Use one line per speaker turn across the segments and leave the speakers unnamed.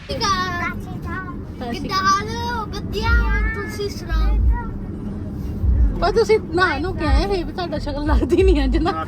ਪਰ ਤੁਸੀਂ ਨਾ ਨੂੰ ਕਿਹਾ ਹੈ ਵੀ ਤੁਹਾਡਾ ਸ਼ਕਲ ਲੱਗਦੀ ਨਹੀਂ ਅੱਜ ਨਾ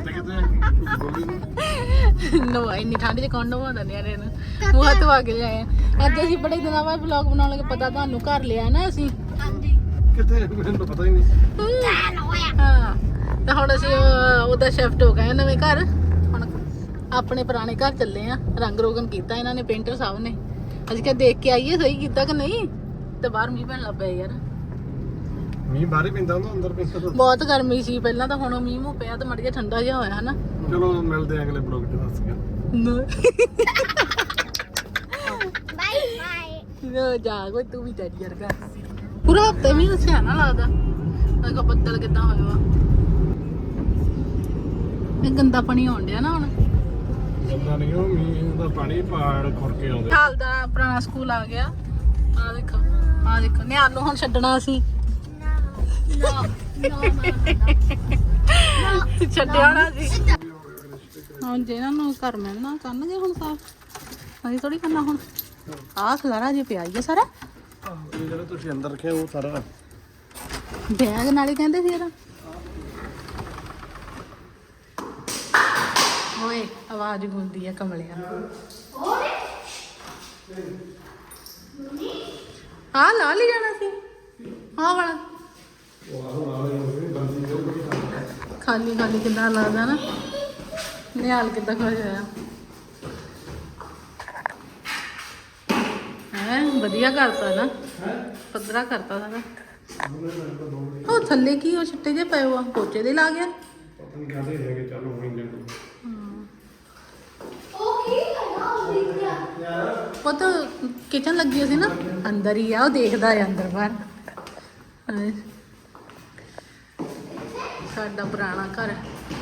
ਨੋ ਇੰਨੀ ਠੰਡ 'ਚ ਕੌਣ ਨਵਾਉਂਦਾ ਨਿਆਣੇ ਨੂੰ ਮੂੰਹ ਹੱਥ ਧਵਾ ਕੇ ਲਿਆਏ ਅੱਜ ਅਸੀਂ ਬੜੇ ਦਿਨਾਂ ਬਾਅਦ ਵਲੌਗ ਬਣਾਉਣ ਲੱਗੇ ਪਤਾ ਤੁਹਾਨੂੰ ਘਰ ਲਿਆ ਨਾ ਅਸੀਂ
ਕਿਤੇ ਮੈਨੂੰ ਪਤਾ ਹੀ ਨਹੀਂ
ਹਾਂ ਤੇ ਹੁਣ ਅਸੀਂ ਉਹਦਾ ਸ਼ਿਫਟ ਹੋ ਗਏ ਨਵੇਂ ਘਰ ਹੁਣ ਆਪਣੇ ਪੁਰਾਣੇ ਘਰ ਚੱਲੇ ਆ ਰੰਗ ਰੋਗਨ ਕੀਤਾ ਇਹਨਾਂ ਨੇ ਪੇਂਟਰ ਸਾਹਿਬ ਨੇ ਅਸੀਂ ਕਿਹਾ ਦੇਖ ਕੇ ਆਈਏ ਸਹੀ ਕੀਤਾ ਕਿ ਨਹੀਂ ਤੇ ਬਾਹਰ ਮੀਂਹ ਪੈਣ ਲੱਗ ਪਿਆ ਯਾਰ
ਮੀਂਹ ਬਾਹਰ ਹੀ ਪੈਂਦਾ ਹੁੰਦਾ ਅੰਦਰ ਪੈਂਦਾ
ਬਹੁਤ ਗਰਮੀ ਸੀ ਪਹਿਲਾਂ ਤਾਂ ਹੁਣ ਮੀਂਹ ਮੂੰਹ ਪਿਆ ਤੇ ਮੜ ਜਿਹਾ ਠੰਡਾ ਜਿਹਾ ਹੋਇਆ ਹਨਾ
ਚਲੋ ਮਿਲਦੇ ਆ ਅਗਲੇ ਬਲੌਗ 'ਚ ਦੱਸ ਗਿਆ
ਬਾਏ ਬਾਏ ਜਾ ਕੋਈ ਤੂੰ ਵੀ ਤੇਰੀ ਵਰਗਾ ਪੂਰਾ ਹਫਤੇ ਮੀਂਹ ਦੱਸਿਆ ਨਾ ਲੱਗਦਾ ਦੇਖੋ ਬੱਦਲ ਕਿੱਦਾਂ ਹੋਇਆ ਵਾ ਇਹ ਗੰਦਾ ਪਾਣੀ ਆਉਣ ਡਿਆ ਨਾ ਹੁਣ
ਪਤਾ ਨਹੀਂ ਉਹ ਮੀਂਹ ਦਾ ਪਾਣੀ ਪਹਾੜ ਖੁਰ ਕੇ ਆਉਂਦੇ
ਹਾਲ ਦਾ ਪੁਰਾਣਾ ਸਕੂਲ ਆ ਗਿਆ ਆ ਦੇਖੋ ਨਿਆਲ ਨੂੰ ਹੁਣ ਛੱਡਣਾ ਅਸੀਂ ਛੱਡਿਆ ਨਾ ਸੀ ਹੁਣ ਜੇ ਇਹਨਾਂ ਨੂੰ ਘਰ ਮਿਲਣਾ ਕਰਨਗੇ ਹੁਣ ਸਾਫ ਅਸੀਂ ਥੋੜੀ ਕਰਨਾ ਹੁਣ ਆਹ ਖਲਾਰਾ ਜੇ ਪਿਆ ਹੀ ਆ ਸਾਰਾ
ਜਿਹੜਾ ਤੁਸੀਂ ਅੰਦਰ ਰੱਖਿਆ ਉਹ ਸਾਰਾ
ਬੈਗ ਨਾਲੇ ਕਹਿੰਦੇ ਸੀ ਇਹਦਾ ਓਏ ਆਵਾਜ਼ ਗੂੰਦੀ ਆ ਕਮਲਿਆਂ ਆ ਲਾ ਲਈ ਜਾਣਾ ਸੀ ਹਾਂ ਵਾਲਾ ਖਾਲੀ ਖਾਲੀ ਕਿੱਦਾਂ ਲੱਗਦਾ ਨਾ ਨਿਹਾਲ ਕਿੱਦਾਂ ਖੁਸ਼ ਹੋਇਆ ਹੈ ਵਧੀਆ ਕਰਤਾ ਨਾ ਪੱਧਰਾ ਕਰਤਾ ਸਾਰਾ ਉਹ ਥੱਲੇ ਕੀ ਉਹ ਛਿੱਟੇ ਜੇ ਪਏ ਆ ਪੋਚੇ ਦੇ ਲਾ ਗਿਆ
ਪਤਾ ਨਹੀਂ ਕਾਹਦੇ ਹੈਗੇ ਚੱਲ ਹੋਣਗੇ
ਉਹ ਤਾਂ ਕਿਚਨ ਲੱਗੀ ਸੀ ਨਾ ਅੰਦਰ ਹੀ ਆ ਉਹ ਦੇਖਦਾ ਆ ਅੰਦਰ ਬਾਹਰ ਸਾਡਾ ਪੁਰਾਣਾ ਘਰ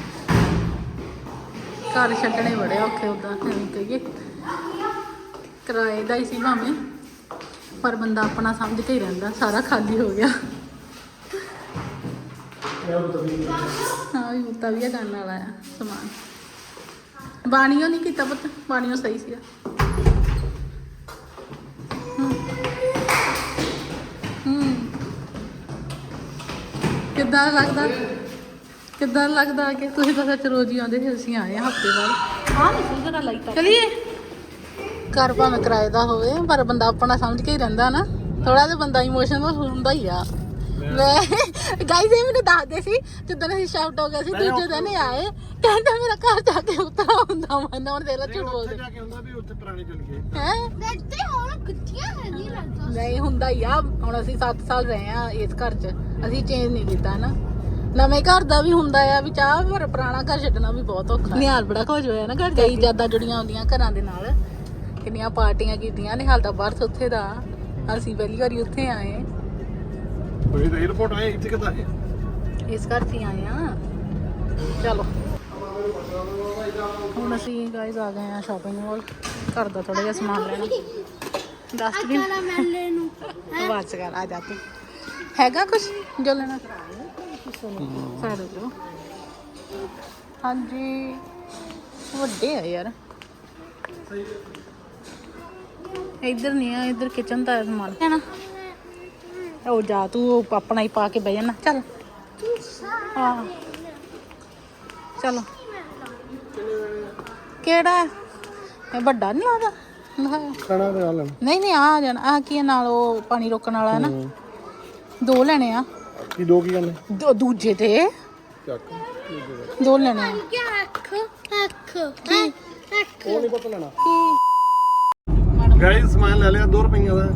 ਛੱਡਣੇ ਬੜੇ ਔਖੇ ਉਦਾਂ ਕਹੀਏ ਕਿਰਾਏ ਦਾ ਹੀ ਸੀ ਭਾਵੇਂ ਪਰ ਬੰਦਾ ਆਪਣਾ ਸਮਝ ਕੇ ਹੀ ਰਹਿੰਦਾ ਸਾਰਾ ਖਾਲੀ ਹੋ ਗਿਆ ਹਾਂ ਵੀ ਮੁੱਤਾ ਵੀ ਕਰਨ ਵਾਲਾ ਆ ਸਮਾਨ ਬਾਣੀਓ ਨਹੀਂ ਕੀਤਾ ਪੁੱਤ ਬਾਣੀਓ ਸਹੀ ਸੀਗਾ ਕਿੱਦਾਂ ਲੱਗਦਾ ਕਿ ਤੁਸੀਂ ਤਾਂ ਸੱਚ ਰੋਜ਼ ਹੀ ਆਉਂਦੇ ਸੀ ਅਸੀਂ ਆਏ ਹਫਤੇ ਬਾਅਦ ਹਾਂ ਨਹੀਂ ਜਰਾ ਲਾਈਟ ਚਲੀਏ ਘਰ ਭਾਵੇਂ ਕਿਰਾਏ ਦਾ ਹੋਵੇ ਪਰ ਬੰਦਾ ਆਪਣਾ ਸਮਝ ਕੇ ਹੀ ਰਹਿੰਦਾ ਨਾ ਥੋੜਾ ਜਿਹਾ ਬੰਦਾ ਇਮੋਸ਼ਨਲ ਹੁੰਦਾ ਹੀ ਆ ਗਾਈਜ਼ ਇਹ ਮੈਨੂੰ ਦੱਸਦੇ ਸੀ ਜਦੋਂ ਅਸੀਂ ਸ਼ਾਫਟ ਹੋ ਗਏ ਸੀ ਦੂਜੇ ਦਿਨ ਹੀ ਆਏ ਕਹਿੰਦਾ ਮੇਰਾ ਘਰ ਜਾ ਕੇ ਉਤਰਾ ਹੁੰਦਾ ਮਨ ਹੁਣ ਦੇ ਲਾ ਝੂਠ ਬੋਲਦੇ
ਜਾ ਕੇ ਹੁੰਦਾ ਵੀ ਉੱਥੇ ਪੁਰਾਣੇ ਚਲ ਗਏ
ਹੈ
ਦੇਖਦੇ ਹੁਣ ਕਿੱਥੀਆਂ ਨਹੀਂ ਲੱਗਦਾ
ਨਹੀਂ ਹੁੰਦਾ ਹੀ ਆ ਹੁਣ ਅਸੀਂ 7 ਸਾਲ ਰਹੇ ਆ ਇਸ ਘਰ 'ਚ ਅਸੀਂ ਚੇਂਜ ਨਹੀਂ ਕੀਤਾ ਨਾ ਨਵੇਂ ਘਰ ਦਾ ਵੀ ਹੁੰਦਾ ਆ ਵੀ ਚਾਹ ਪਰ ਪੁਰਾਣਾ ਘਰ ਛੱਡਣਾ ਵੀ ਬਹੁਤ ਔਖਾ ਨਿਹਾਲ ਬੜਾ ਖੁਸ਼ ਹੋਇਆ ਨਾ ਘਰ ਗਈ ਜਿਆਦਾ ਜੁੜੀਆਂ ਹੁੰਦੀਆਂ ਘਰਾਂ ਦੇ ਨਾਲ ਕਿੰਨੀਆਂ ਪਾਰਟੀਆਂ ਕੀਤੀਆਂ ਨਿਹਾਲ ਦਾ ਬਰਥ ਉੱਥੇ ਦਾ ਅਸੀਂ ਪਹਿਲੀ ਵਾਰੀ ਉੱਥੇ ਆਏ
ਤੁਸੀਂ ਤਾਂ 에어ਪੋਰਟ ਆਏ ਇੱਥੇ ਕਿੱਦਾਂ ਆਏ
ਇਸ ਘਰ 'ਚ ਹੀ ਆਏ ਆ ਚਲੋ ਹੁਣ ਅਸੀਂ ਗਾਇਜ਼ ਆ ਗਏ ਆ ਸ਼ਾਪਿੰਗ ਮਾਲ ਘਰ ਦਾ ਥੋੜਾ ਜਿਹਾ ਸਮਾਨ ਲੈਣਾ ਡਸਟਬਿਨ
ਕਾਲਾ ਮੈਲੇ ਨੂੰ
ਆਵਾਜ਼ ਕਰ ਆ ਜਾ ਤੂੰ ਹੈਗਾ ਕੁਝ ਜੋ ਲੈਣਾ ਸਾਡੇ ਜੋ ਹਾਂਜੀ ਵੱਡੇ ਆ ਯਾਰ ਇੱਧਰ ਨਹੀਂ ਆ ਇੱਧਰ ਕਿਚਨ ਦਾ ਸਮਾਨ ਹੈ ਨਾ ਉਹ ਜਾ ਤੂੰ ਆਪਣਾ ਹੀ ਪਾ ਕੇ ਬਹਿ ਜਾਣਾ ਚੱਲ ਹਾਂ ਚਲੋ ਕਿਹੜਾ ਇਹ ਵੱਡਾ ਨਹੀਂ ਲੱਗਦਾ
ਖਾਣਾ ਤੇ ਆ ਲੈਣਾ
ਨਹੀਂ ਆ ਜਾਣਾ ਆ ਕੀ ਨਾਲ ਉਹ ਪਾਣੀ ਰੋਕਣ ਵਾਲਾ ਹੈ ਨਾ 2 ਲੈਣੇ ਆ
ਕੀ ਦੋ ਕੀ ਕਰਨੇ
ਦੂਜੇ ਤੇ
ਚੱਕ
2 ਲੈਣੇ ਆ
ਕੀ ਅੱਖ
ਉਹ ਨਹੀਂ ਪਤਾ ਲੈਣਾ
ਕੀ
ਗਾਇਸ ਸਮਾਨ ਲੈ ਲਿਆ 2 ਰੁਪਈਆ ਦਾ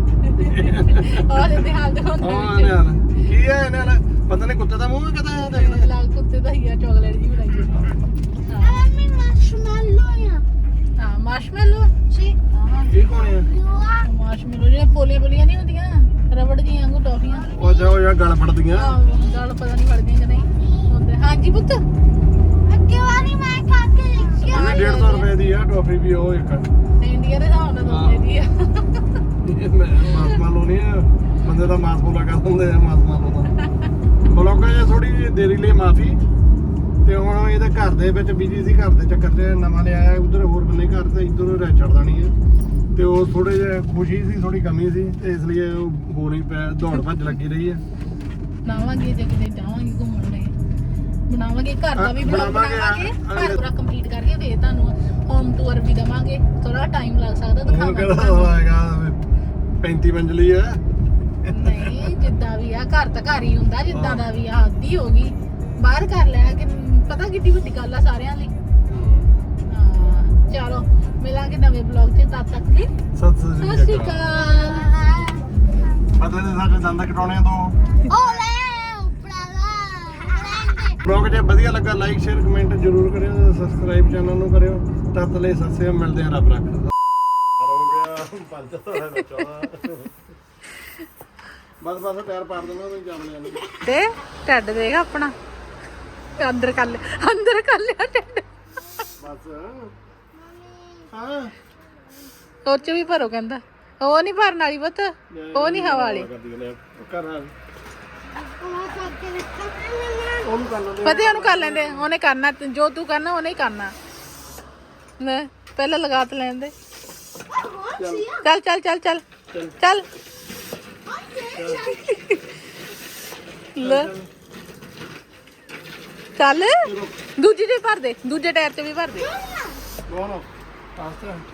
ਆ ਦੇ ਹਾਲ ਦੇ ਹੁਣ
ਹਾਂ ਯਾਰ ਕੀ ਹੈ ਇਹਨਾਂ ਨਾਲ ਪਤਾ ਨਹੀਂ ਕੁੱਤੇ ਦਾ ਮੂੰਹ ਕਿਦਾਂ ਹੈ ਦੇਖਣਾ
ਲਾਲ ਕੁੱਤੇ ਦਾ ਹੀ ਆ ਚਾਕਲੇਟ ਜੀ ਬਣਾਈ ਹੈ
ਮੰਮੀ ਮਾਰਸ਼ਮੈਲੋ ਆ
ਹਾਂ ਮਾਰਸ਼ਮੈਲੋ
ਸੀ
ਇਹ ਕੌਣ ਹੈ
ਮਾਰਸ਼ਮੈਲੋ ਜਿਹੜੇ ਪੋਲੀਆਂ ਨਹੀਂ ਹੁੰਦੀਆਂ ਰਬੜ ਦੀਆਂ ਵਾਂਗੂ ਟੌਫੀਆਂ
ਉਹ ਜਾ ਗਲ ਫੜਦੀਆਂ
ਗੱਲ ਪਤਾ ਨਹੀਂ ਫੜਦੀਆਂ ਕਿ ਨਹੀਂ ਹੁੰਦੇ ਹਾਂਜੀ ਪੁੱਤ
ਅੱਗੇ ਵਾਲੀ ਮੈਂ ਖਾ ਕੇ ਦੇਖਿਆ
150 ਰੁਪਏ ਦੀ ਆ ਟੋਫੀ ਵੀ ਉਹ ਇੱਕ
ਇੰਡੀਆ ਦੇ ਹਿਸਾਬ ਨਾਲ ਦੋਨੇ ਦੀ ਆ
ਇਹ ਮੈਂ ਮਾਸ ਮਾਲੋ ਨਹੀਂ ਆ ਬੰਦੇ ਦਾ ਮਾਸ ਬੋਲਾ ਕਰ ਦਿੰਦੇ ਆ ਮਾਸ ਮਾਲੋ ਦਾ ਬਲੋਕਾਂ ਜੇ ਥੋੜੀ ਦੇਰੀ ਲਈ ਮਾਫੀ ਤੇ ਹੁਣ ਇਹਦੇ ਘਰ ਦੇ ਵਿੱਚ ਬਿਜੀ ਸੀ ਘਰ ਦੇ ਚੱਕਰ 'ਚ ਨਵਾਂ ਲਿਆਇਆ ਉਧਰ ਹੋਰ ਬੰਨੇ ਘਰ ਤੇ ਇੱਧਰ ਰਹਿ ਛੱਡ ਦੇਣੀ ਆ ਤੇ ਉਹ ਥੋੜੇ ਜਿਹਾ ਖੁਸ਼ੀ ਸੀ, ਥੋੜੀ ਕਮੀ ਸੀ ਤੇ ਇਸ ਲਈ ਉਹ ਹੋ ਨਹੀਂ ਪਿਆ, ਦੌੜ ਭੱਜ ਲੱਗੀ ਰਹੀ ਹੈ।
ਬਣਾਵਾਂਗੇ ਜੇ ਕਿਤੇ ਜਾਵਾਂਗੇ ਘੁੰਮਣ ਲਈ, ਬਣਾਵਾਂਗੇ ਘਰ ਦਾ ਵੀ ਵਲੌਗ ਬਣਾਵਾਂਗੇ, ਘਰ ਪੂਰਾ ਕੰਪਲੀਟ ਕਰਕੇ ਫੇਰ ਤੁਹਾਨੂੰ ਹੋਮ ਟੂਰ ਵੀ ਦਵਾਂਗੇ। ਥੋੜਾ ਟਾਈਮ ਲੱਗ ਸਕਦਾ
ਹੁਣ
ਦਿਖਾਵਾਂਗੇ
ਕਿਹੜਾ
ਤੁਹਾਨੂੰ।
ਹੋਏਗਾ 35 ਮੰਜ਼ਲੀ ਹੈ।
ਨਹੀਂ ਜਿੱਦਾਂ ਵੀ ਆ, ਘਰ ਤਾਂ ਘਰ ਹੀ ਹੁੰਦਾ, ਜਿੱਦਾਂ ਦਾ ਵੀ ਆ, ਆਦੀ ਹੋ ਗਈ ਬਾਹਰ ਕਰ ਲੈਣਾ ਕਿ ਪਤਾ ਕਿੱਡੀ ਵੱਡੀ ਗੱਲ ਆ ਸਾਰਿਆਂ ਲਈ। ਹਾਂ ਚਲੋ ਮਿਲਾਂਗੇ ਨਵੇਂ ਵਲੌਗ 'ਚ, ਤਦ ਤੱਕ ਲਈ
ਸਤਿ
ਸਤਿ ਸ਼੍ਰੀ ਅਕਾਲ।
ਪਤਾ ਨਹੀਂ ਸਾਡੇ ਦੰਦ ਕਟਾਉਣੇ ਤੋਂ।
ਓਲੇ ਉਪਰਾਲਾ
ਬਲੌਗ ਜੇ ਵਧੀਆ ਲੱਗਾ ਲਾਈਕ ਸ਼ੇਅਰ ਕਮੈਂਟ ਜ਼ਰੂਰ ਕਰਿਓ, ਸਬਸਕ੍ਰਾਈਬ ਚੈਨਲ ਨੂੰ ਕਰਿਓ। ਤਦ ਲਈ ਸਤਿ ਸ਼੍ਰੀ ਅਕਾਲ, ਮਿਲਦੇ ਹਾਂ ਰੱਬ ਰੱਖਦਾ। ਹੋ ਗਿਆ 5 ਬਸ ਬਸ ਪੈਰ ਪਾੜ ਦੇਣਾ ਉਹਨੂੰ ਚੱਲ ਜਾਣੀ।
ਤੇ ਢਿੱਡ ਦੇਖ ਆਪਣਾ, ਅੰਦਰ ਕਰ ਲਿਆ ਢਿੱਡ।
ਬਸ ਹਾਂ
ਉਹ 'ਚ ਵੀ ਭਰੋ ਕਹਿੰਦਾ, ਉਹ ਨਹੀਂ ਭਰਨ ਵਾਲੀ ਪੁੱਤ, ਉਹ ਨਹੀਂ ਹਵਾ ਵਾਲੀ।
ਕਰ
ਉਹ ਕਰਕੇ ਰੱਖਾ
ਉਹਨੂੰ ਕਰ ਲੈਂਦੇ
ਪਤਾ ਉਹਨੂੰ ਕਰ ਲੈਂਦੇ, ਉਹਨੇ ਕਰਨਾ ਜੋ ਤੂੰ ਕਰਨਾ ਉਹਨੇ ਹੀ ਕਰਨਾ। ਲੈ ਪਹਿਲਾਂ ਲਗਾ ਤੇ ਲੈਣ ਦੇ। ਚੱਲ ਚੱਲ ਚੱਲ ਚੱਲ ਚੱਲ ਲੈ ਚੱਲ, ਦੂਜੀ ਦੇ ਭਰ ਦੇ, ਦੂਜੇ ਟਾਇਰ 'ਚ ਵੀ ਭਰ ਦੇ।
ਬੋਲੋ ਆਸਤੇ